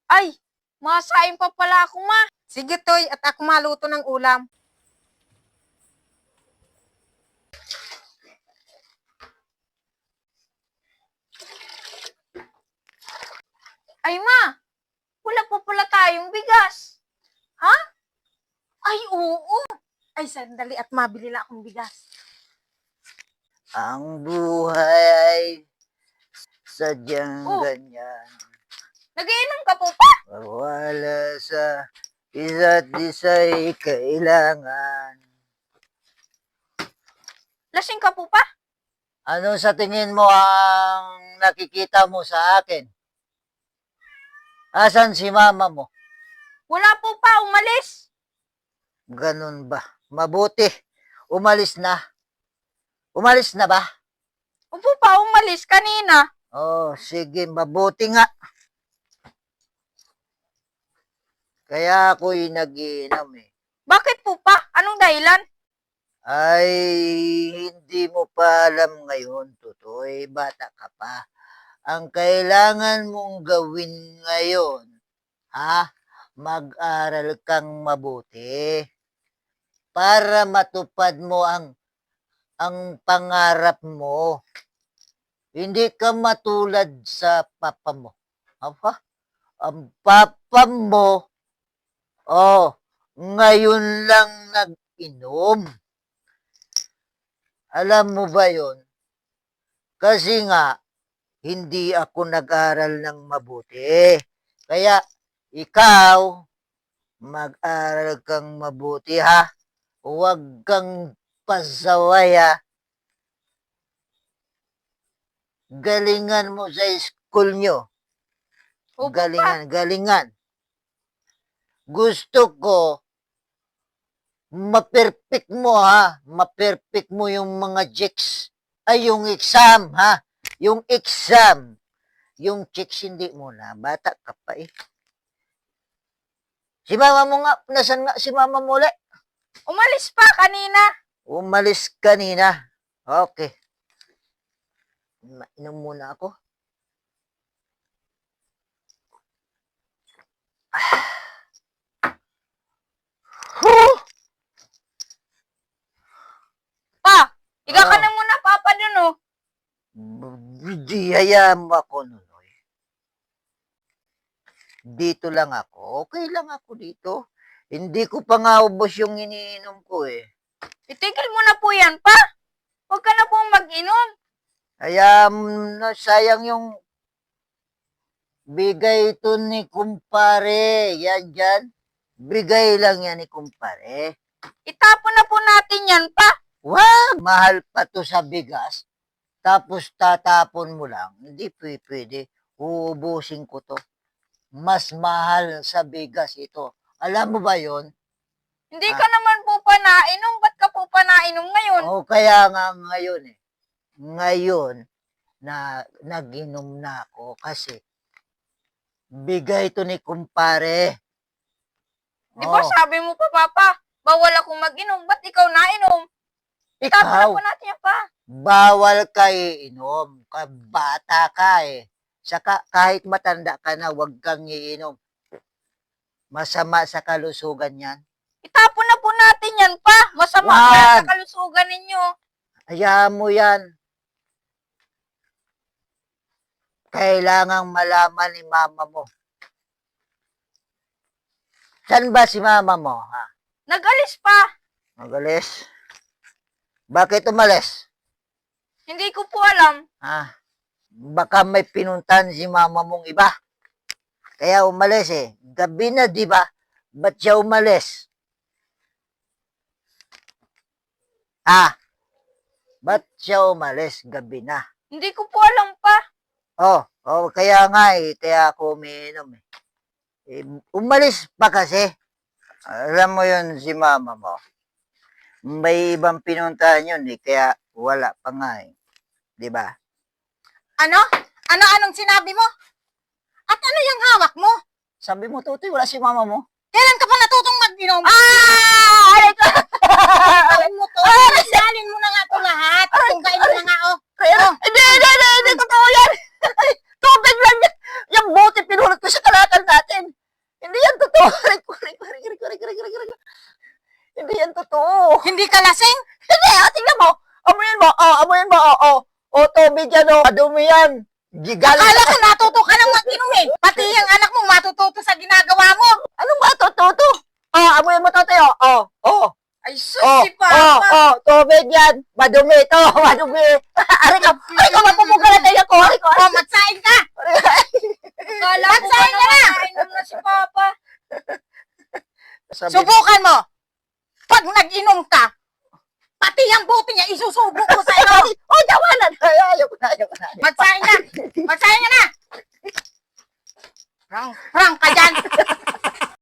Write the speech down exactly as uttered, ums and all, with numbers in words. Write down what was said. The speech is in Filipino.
Ay, masain pa pala ako, ma. Sige, Toy, at ako maluto ng ulam. Ay, ma, wala pa pala tayong bigas. Ha? Ay, oo. Ay, sandali at mabili lang akong bigas. Ang buhay sadyang Oh. ganyan. Nagiinom ka po pa? Wala sa isa't isa'y kailangan. Lasing ka po pa? Ano sa tingin mo ang nakikita mo sa akin? Asan si mama mo? Wala po pa, umalis. Ganun ba? Mabuti. Umalis na. Umalis na ba? Opo pa, umalis kanina. Oh, sige, mabuti nga. Kaya ako'y nag-iinom eh. Bakit po pa? Anong dahilan? Ay, hindi mo pa alam ngayon, Tutoy. Bata ka pa. Ang kailangan mong gawin ngayon, ha? Mag-aral kang mabuti para matupad mo ang ang pangarap mo. Hindi ka matulad sa papa mo. Apa? Ang papa mo, oh, ngayon lang nag-inom. Alam mo ba yon? Kasi nga, hindi ako nag-aral ng mabuti. Kaya, ikaw, mag-aral kang mabuti, ha? Huwag kang pasaway, ha? Galingan mo sa school nyo. Opo pa. Galingan, galingan. Gusto ko, ma-perfect mo, ha? Ma-perfect mo yung mga checks. Ay, yung exam, ha? Yung exam. Yung checks hindi mo na. Bata ka pa, eh. Si mama mo nga, nasan nga si mama mo ulit? Umalis pa kanina. Umalis kanina. Okay. Mainom muna ako. Huh! Pa, higa ka Ah. na muna, papa, dun, oh. Di hayaan mo ako, Nunoy. Dito lang ako. Okay lang ako dito. Hindi ko pa nga ubos yung iniinom ko eh. Itigil mo na po yan, pa. Huwag ka na po mag-inom. Kaya na sayang yung bigay ito ni kumpare. Yan dyan. Bigay lang yan ni kumpare. Itapon na po natin yan, pa. Wag! Mahal pa to sa bigas. Tapos tatapon mo lang. Hindi pwede. pwede. Uubusin ko to. Mas mahal sa bigas ito. Alam mo ba yon? Hindi Ah. ka naman po pa nainom. Ba't ka po pa nainom ngayon? O kaya nga ngayon eh. Ngayon na nag-inom na ako kasi bigay to ni kumpare. Di ba Oh, sabi mo pa, papa, bawal akong mag-inom. Ba't ikaw nainom? Itapon na ikaw, po natin yan, pa. bawal ka iinom. Ka- Bata ka eh. Saka kahit matanda ka na, huwag kang iinom. Masama sa kalusugan yan. Itapon na po natin yan, pa. Masama Wag. ka sa kalusugan ninyo. Hayaan mo yan. Kailangang malaman ni mama mo. Saan ba si mama mo, ha? Nag-alis pa. Magalis? Bakit umalis? Hindi ko po alam. Ha? Baka may pinuntan si mama mong iba. Kaya umalis eh. Gabi na, di ba? Ba't siya umalis? Ah, ba't siya umalis? Gabi na. Hindi ko po alam, pa. Oh, oh, kaya nga eh, kaya ako umiinom eh. Eh, umalis pa kasi. Alam mo yun si mama mo. May ibang pinuntahan yun eh, kaya wala pa nga eh. Di ba? Ano? Ano anong sinabi mo? At ano yung hawak mo? Sabi mo, Tutoy, wala si mama mo. Kailan ka pa natutong mag-inom? Ah! Aray ko! Gawin mo to. Salin mo na nga ito lahat. Tunggain mo na nga, oh. Kaya, hindi, hindi, hindi, hindi, totoo yan. Tubig lang yan. Yung bote pinulot ko sa kalatan natin. Aray ko, aray ko, aray ko, aray ko, aray ko, aray ko, aray ko. Hindi yan totoo. Hindi ka lasing? Hindi, ah, tingnan mo. Amuyin mo, oh, amuyin mo, oh, oh. Oh, tubig yan, oh. Madumi yan. Gigaling Akala ko natuto ka nang mag-inom eh. Pati yung anak mo matututo sa ginagawa mo. Anong matututo? Oh, amuyin mo to, Teo. Oh, oh. Ay, sus, Oh, si oh, Papa. oh, tubig yan. Madumi to, madumi. Aray ka, aray ka, mapupuga na tayo ko. Aray ko, O, matsain ka. Akala ko ba Matsain ka na. naman nainom na si Papa? Sabi- Subukan mo. Pag nag-inom ka, pati yung buti niya isusubo ko sa iyo. Ay, oh, tawanan. Ay, ayaw ko na, ayaw ko na. Matsain ka. Matsain ka na. Rang, rang ka dyan.